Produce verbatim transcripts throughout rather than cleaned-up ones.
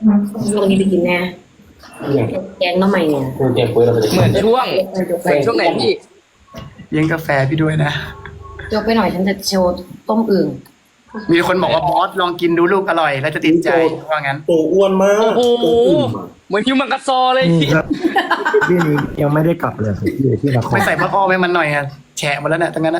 ช่วงนี้ไปกินแน่แกงน้องใหม่เนี่ยแกงเปิดเราไปเหมือนช่วงเหมือนช่วงไหนพี่เลี้ยงกาแฟพี่ด้วยนะยกไปหน่อยฉันจะโชว์ต้มอึ่งมีคนบอกว่าบอสลองกินดูลูกอร่อยแล้วจะติดใจว่างั้นตัวอ้วนมากโอ้โหเหมือนฮิวมังกาซอเลยพี่ครับพี่นี้ยังไม่ได้กลับเลยอยู่ที่นครไม่ใส่มะอ้อมให้มันหน่อยอะแฉะหมดแล้วเนี่ยทั้งนั้นนะ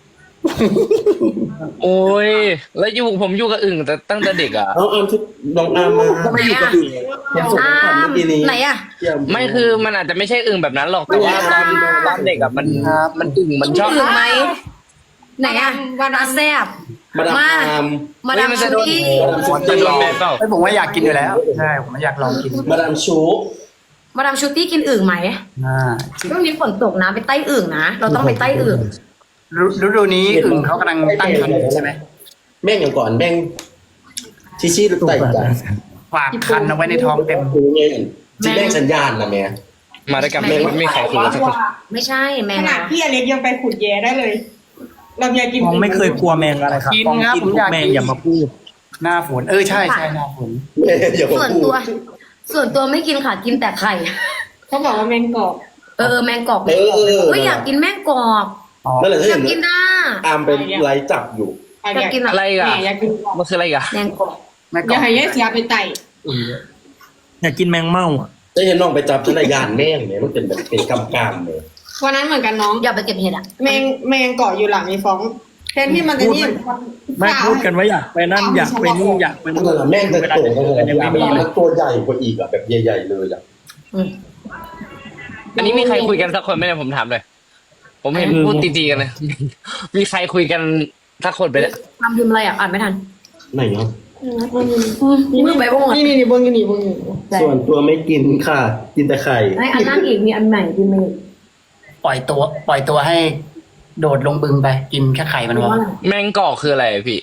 โอ้ยแล้วอยู่ผมอยู่กับอึ่งแต่ตั้งแต่เด็กอ่ะเอาอามที่น้องอามมาไม่อยู่กับอื่นยังส่งอ้าผ่านมเมื่อกี้นี้ไหนอะไม่คือมันอาจจะไม่ใช่อึ่งแบบนั้นหรอกแต่ว่าตอนตอนเด็กอ่ะมันมันอึ่งมันชอบอึ่งไหมไหนอะวานาแซบมาดามมาอามมาดามชูตี้จะโดนแบนเปล่าไม่ผมว่าอยากกินอยู่แล้วใช่ผมอยากลองกินมาดามชูมาดามชูตี้กินอึ่งไหมอ่าช่วงนี้ฝนตกนะไปใต้อึ่งนะเราต้องไปใต้อึ่งฤฤดูนี้อึ่งเขากำลังตั้งครรภ์อยู่ใช่ไหมแม่งอย่างก่อนแม่งชิชิหรือไต่จ้ะฝากคันเอาไว้ในท้องเต็มคือไงที่แม่งสัญญาณนะแม่มาด้วยกันไม่ไม่ใครคุยกันสักคนไม่ใช่แมขงนาดนะพี่อเล็กยังไปขุดแย่ได้เลยเราอยากกินมองไม่เคยกลัวแมงอะไรครับกินมองครับกินผมทุอยาก กแมงกินอย่ามาพูดหน้าฝนเออใช่ใช่หน้าฝนแม่อย่ามาส่วนพูตัวดส่วนตัวไม่กินค่ะกินแต่ไข่เขาบอกว่าแมงกอกเออแมงกอกเออเออเฮ้ยอยากกินแมงกอกอ๋อนั่นแหละที่อยาเห็กนกินนะอามเป็นไลฟ์จับอยู่อะไรอยากกินอะอะไรอ่ะแม่อยากกินกอกมันคืออะไรอ่ะแมงกอกแม่อย่าให้ยายเสียไปไต่อยากกินแมงเม่าอ่ะได้เห็นน้องไปจับที่รายการแม่งเนี่ยมันเป็นแบบเป็นกำกามเลยวันนั้นเหมือนกันน้องอย่าไปเก็บเห็ดอ่ะแมงแมงเกาะอยู่หลังไอ้ฟ้องแทนที่มันจะนี่ไม่พูดกันว่าอยากไปนั่นอยากไปนี่อยากไปนั่นู่นนแหละแม่งจะเวลาโตจะกันเจอกันยังไม่มีเลยตัวใหญ่กว่าอีกอะแบบใหญ่ๆเลยอะอืมอันนี้มีใครคุยกันสักคนไหมเนี่ยผมถามเลยผมเห็นพูดตีๆกันเลยมีใครคุยกันสักคนไปเนี่ยทำพิมพ์อะไรอ่ะอ่านไม่ทันไหนเนาะมือไปบ้างหมดนี่นี่นี่เบิ้งกันนี่เบิ้งอยู่ส่วนตัวไม่กินค่ะ กินแต่ไข่ไอ้อันนั้นอีกมีอันใหม่พิมพ์มาอีกปล่อยตัว ปล่อยตัวให้โดดลงบึงไปกินแค่ไข่มันพอแมงกอกคืออะไรพี่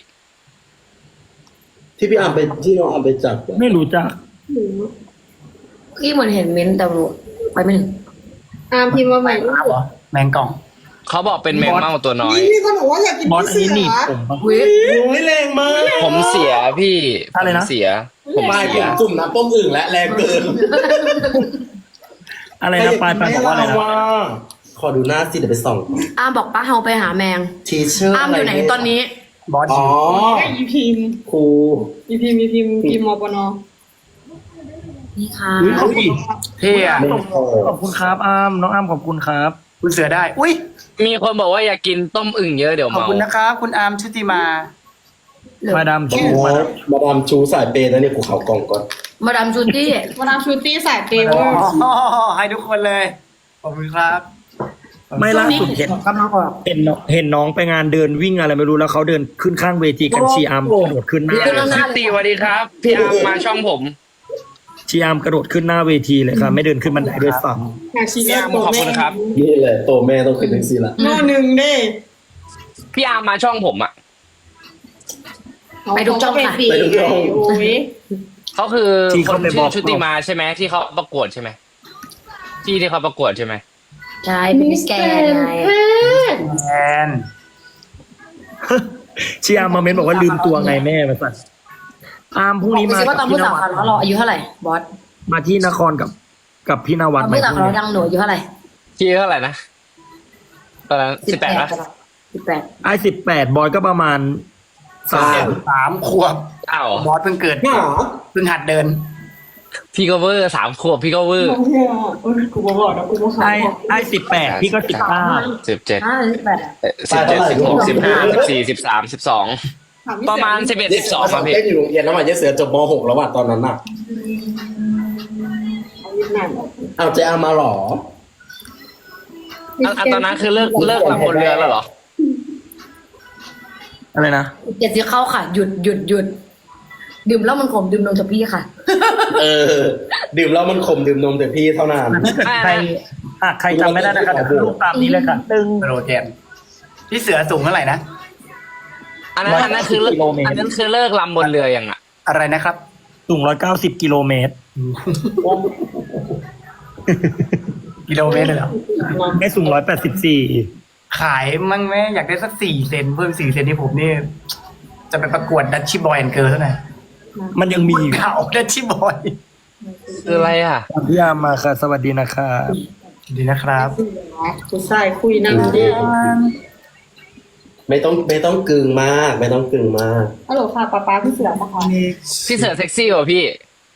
ที่พี่อามไปที่น้องอามไปจับอะไม่รู้จักพี่เหมือนเห็นเม้นต์แต่รู้ไปไม่ถึงอามพิมพ์มาใหม่ครับเหรอแมงกล่องเขาบอกเป็นแมงเม่าตัวน้อยนี่มีคนบอกว่าอยากกินบอสพี่อันเสืนี้หนีบอผมปะวิโอ้ยแรงมากผมเสียพี่อะไรนะผมเสียผมปลายผเสียมจุ่มน้ำต้มอึ่งและแรงเกินอะไรนะปลายปลายบอกว่าอะไรนะขอดูหน้าสิเดี๋ยวไปส่องอามบอกป้าเฮาไปหาแมงทีเชอร์อามอยู่ไหนตอนนี้บอสอ๋อไอ้อีพิมพ์ครูอีพิมพ์อีพิมพ์พิมพ์มปนนี่ค่ะอุ๊ยขอบคุณเท่อะขอบคุณครับอามน้องอามขอบคุณครับคุณเสือได้ อุ้ยมีคนบอกว่าอยากกินต้มอึ่งเยอะเดี๋ยวขอบเมาคุณนะครับ คุณอาร์มชุติมามาดามโอ้ชื่อโหมาดามมาดามชูสายเปย์นะเนี่ยกูเขากล่องก่อนมาดามชูตี้มาดามชูตี้สายเปเวอร์อ๋อให้ทุกคนเลย ขอบคุณครับไม่ล่าสุดเห็นกำลังออกเห็นน้องเห็นน้องไปงานเดินวิ่งอะไรไม่รู้แล้วเขาเดินขึ้นข้างเวทีกันชีอาร์มกระโดดขึ้นหน้าพี่อาร์มชื่อตีสวัสดีครับพี่อาร์มมาช่องผมชีอาร์มกระโดดขึ้นหน้าเวทีเลยครับไม่เดินขึ้นบันไดด้วยซ้อยากชิมพี่อาร์มขอบคุณครับนี่แหละโตแม่ต้องขึ้นถึงสิละหม้อหนึ่งเด้พี่อาร์มมาช่องผมอ่ะไปดูจ้องค่ะไปดูจ้องโอ้ยเขาคือคนชื่อชุติมาใช่ไหมที่เขาประกวดใช่ไหมที่ที่เขาประกวดใช่ไหมใช่เป็นมิสแกนไงแอนำชีอาร์มมาเม้นบอกว่าลืมตัวไงแม่มาสั่นอาร์มพรุ่งนี้บอกมาสิว่าตอนพี่ผู้นสาววัขาดวเราอายุเท่าไหร่บอสมาที่นครกับกับพี่นตวัอดนไหมผู้สาวขาวเราดังหนูอายุเท่าไหร่ที่เท่าไหร่นะตอนนั้นสิบแปดนะสิบแปดไอ้สิบแปดบอยก็ประมาณสามสามขวบอ้าวบอสเพิ่งเกิดหาเพิ่งหัดเดินพี่ก็เวอร์สามขวบพี่ก็เวอร์กูบอกนะกูบอกไอ้ไอ้สิบแปดพี่ก็สิบเก้าสิบเจ็ดอ่าสิบแปดสิบเจ็ดสิบหกสิบห้าสิบสี่สิบสามสิบสองประมาณสิบเอ็ดสิบสองครับพี่เต้นอยู่โรงเรียนแล้วมาเยเสือจบม .หก แล้วว่ะตอนนั้นน่ะเอาวเจอามาหรออันอันตอนนั้นคือเลิกเลิกลำบนเรือแล้วเหรออะไรนะเจ็ดสิเข้าค่ะ หยุดหยุดหยุดดื่มแล้วมันขมดื่มนมจากพี่ค่ะเออ ดื่มแล้วมันขมดื่มนมแต่พี่เท่านั้นถ้าเกิดใครอ่ะใครจำไม่ได้นะครับเดี๋ยวขึ้นรูปตามนี้เลยค่ะตึงโรเทนพี่เสือสูงเท่าไหร่นะอันนั้นอันนั้นคือเลิกอันนั้นคือเลิกลำบนเรือยังอ่ะอะไรนะครับสูงร้อยเก้าสิบกิโลเมตรกิโลเมตรเลยเหรอแม่สูงร้อยแปดสิบสี่ขายมั่งแม่อยากได้สักสี่เซนเพิ่มสี่เซนที่ผมนี่ จะไปประกวดดัชชี่บอยแอนด์เกิร์ลเท่าไหร่มันยังมีอยู่เขาดัชชี่บอยคืออะไรอ่ะพี่อาร์มมาค่ะ สวัสดีนะครับดีนะครับผู้ชายคุยนั่งดีไม่ต้องไม่ต้องกึ่งมาก ไม่ต้องกึ่งมากฮัลโหลค่ะป๊าป๊าพี่เสือปะคะพี่เสือเซ็กซี่กว่าพี่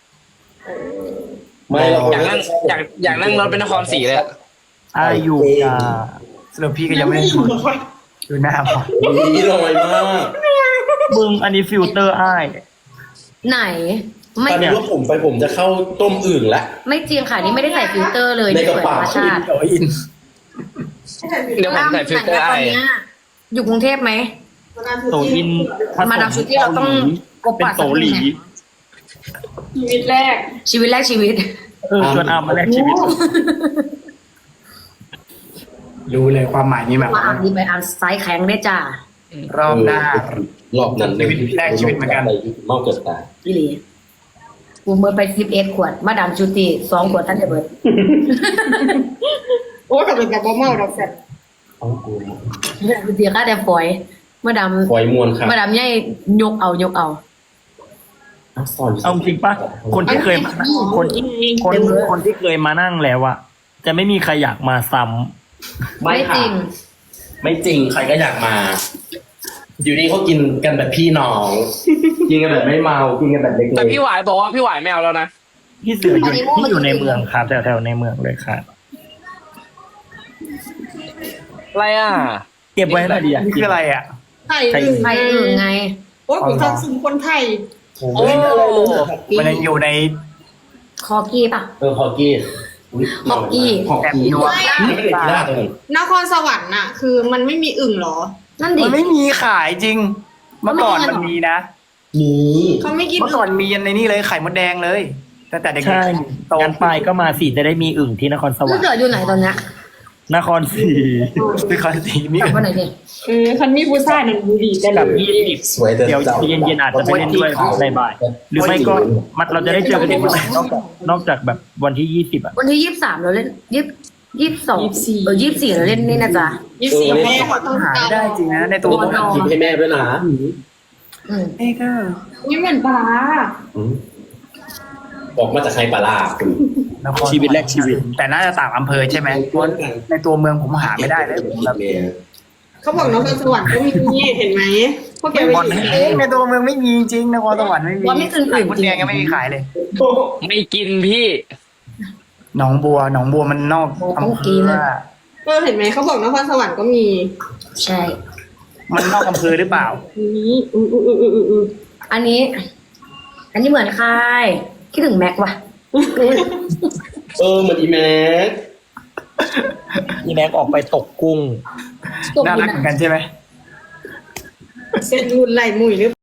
ไม่เราอยากนั่งอยากอยากนั่งรถเป็นนครศรีเลยอะอายุยาสรุปพี่ก็ยังไม่ได้คุยดูหน้าพอนี่ลอยมากมึงอันนี้ฟิลเตอร์อ้ายไหน ไม่ตอนนี้ว่าผมไปผมจะเข้าต้มอื่นละไม่จริงค่ะนี่ไม่ได้ใส่ฟิลเตอร์เลยในกระสวยธรเป๋ารมชาติโอินเดี๋ยวผมใส่ฟิลเตอร์ตไออนเนี้ยอยู่กรุงเทพไหมโตอินมาดามชุดที่เราต้องกบเป็นปากโตหลีชีวิตแรกชีวิตแรกชีวิตเออชวนอาร์มมาแลกชีวิตรู้เลยความหมายนี้แบบมาอ่านดีไปอ่านไซส์แข็งได้จ้ารอบหน้ารอบนั้นชีวิตแรกชีวิตเหมือนกันเมาเกิดตายพี่หลีกูเมื่อไปสิบเอ็ดขวด มาดามชุติสองขวดท่านจะเบิดโอ้แต่เป็นแบบเมาดอกแซ่บเอากูเดียวก็แต่ฝอย มาดามปล่อยมวนครับมาดามใหญ่ยกเอายกเอาเอาสอนเอาจริงปะคนที่เคยมาคนที่คนคนที่เคยมานั่งแล้วอะจะไม่มีใครอยากมาซ้ำไม่ไม่จค่ะริงไม่จริงใครก็อยากมา อยู่นี่เขากินกันแบบพี่น้อง กินกันแบบไม่เมา กินกันแบบเล็กๆแต่พี่หวายบอกว่าพี่หวายไม่เอาแล้วนะพี่เสืออยู่ที่อยู่ในเมืองครับแถวๆในเมืองเลยครับอะไรอ่ะเก็บไว้ให้หน่อยดีอะนี่คืออะไรอ่ะไทยอึ่งใครอื่นไงโอ้ยผมทำซึมคนไทยโอ้มันยังอยู่ในคอกี้ป่ะเออฮอกกี้ยฮอกกี้ฮอกแอบกี้นัวไม่ได้กีฬาตัวนึงนครสวรรค์น่ะ คือมันไม่มีอึ่งเหรอนั่นดิมันไม่มีขายจริง เมื่อก่อนมันมันไม่มีมีนะนี่เขาไม่กินเมื่อก่อนมียันในนี่เลยไข่มดแดงเลยตั้งแต่เด็กใช่ๆโตงั้นไปก็มาสิจะได้มีอึ่งที่นครสวรลูรกค์เสืออยู่ไหนตอนเนี้ยนครศรีคือคอนสีมีกลับมาไหนดิเออคันมีผู้ชายนั่นดูดีได้เลกับยยี่สิบสวยแต่เดี๋ยวจ้าเย็นๆอาจจะไปเล่นด้วยในบ่ายหรือไม่ก็มันเราจะได้เจอกันอีกวันไหนนอกจากนอกจากแบบวันที่ยี่สิบอะวันที่ยี่สิบสามเราเล่นยี่ยี่สิบสองเออยี่สิบสี่เราเล่นนี่นะจ๊ะยี่สิบสี่แม่ต้องหาการไม่ได้จริงนะในตัวตัวน้องคิดให้แม่ด้วยนะอืมเอ้ก็นี่เหมือนปลาอืมออกมาจากไฮปลาร้าคุณนครชีวิตแรกชีวิตแต่น่าจะต่างอำเภอใช่ไหมเพราะในตัวเมืองผมหาไม่ได้เลยแบบเขาบอกนครสวรรค์ก็มีเห็นไหมพวกแกไปบอลกินเองในตัวเมืองไม่มีจริงนครสวรรค์ไม่มีว่าไม่อื่นไข่อื่นมดจริแดงงยังไม่มีขายเลยไม่กินพี่หนองบัวหนองบัวมันนอกอำเภอเออเห็นไหมเขาบอกนครสวรรค์ก็มีใช่มันนอกอำเภอหรือเปล่านี่อืออืออืออืออืออันนี้ อันนี้เหมือนใครคิดถึงแม็กว่ะเออเหมือนอีแม็กนี่แม็กออกไปตกกุ้งตกน่าดิรักนเหมือนกันใช่ไหมเส้นรุ่นไหลมุยหรือ